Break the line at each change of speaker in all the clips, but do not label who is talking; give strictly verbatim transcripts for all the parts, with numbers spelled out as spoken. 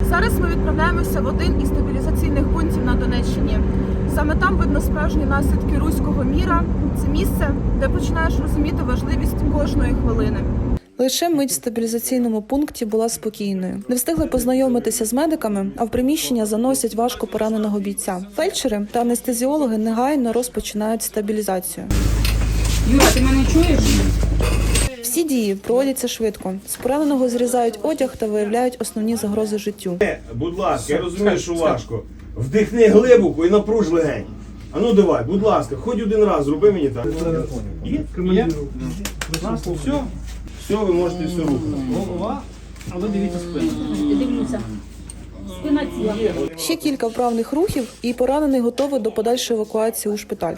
Зараз ми відправляємося в один із стабілізаційних пунктів на Донеччині. Саме там видно справжні наслідки руського міра. Це місце, де починаєш розуміти важливість кожної хвилини.
Лише мить в стабілізаційному пункті була спокійною. Не встигли познайомитися з медиками, а в приміщення заносять важко пораненого бійця. Фельдшери та анестезіологи негайно розпочинають стабілізацію.
Юра, ти мене чуєш?
Всі дії проводяться швидко. З пораненого зрізають одяг та виявляють основні загрози життю.
Будь ласка, я розумію, що важко. Вдихни глибоко і напруж легень. А ну давай, будь ласка, хоч один раз зроби мені так. Є? Є? Все? Все, ви можете все рухати.
Голова, а ви дивіться спину. Дивлюся. Спина ціла.
Ще кілька вправних рухів, і поранений готовий до подальшої евакуації у шпиталь.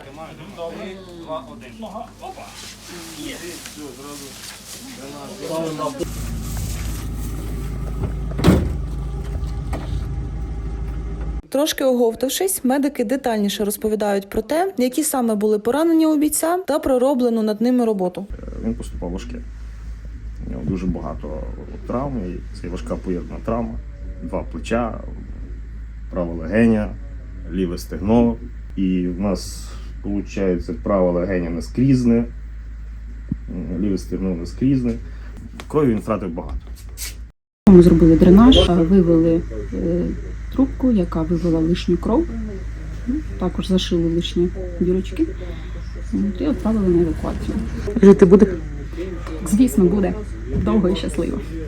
Трошки оговтавшись, медики детальніше розповідають про те, які саме були поранення у бійця та пророблену над ними роботу.
Він поступав важке. У нього дуже багато травм, і це важка поєднана травма. Два плеча, права легеня, ліве стегно. І в нас, виходить, права легеня наскрізне, ліве стегно наскрізне. Крові він втратив багато.
Ми зробили дренаж, вивели е, трубку, яка вивела лишню кров. Також зашили лишні дірочки і відправили на евакуацію.
Жити буде?
Звісно, буде довго і щасливо.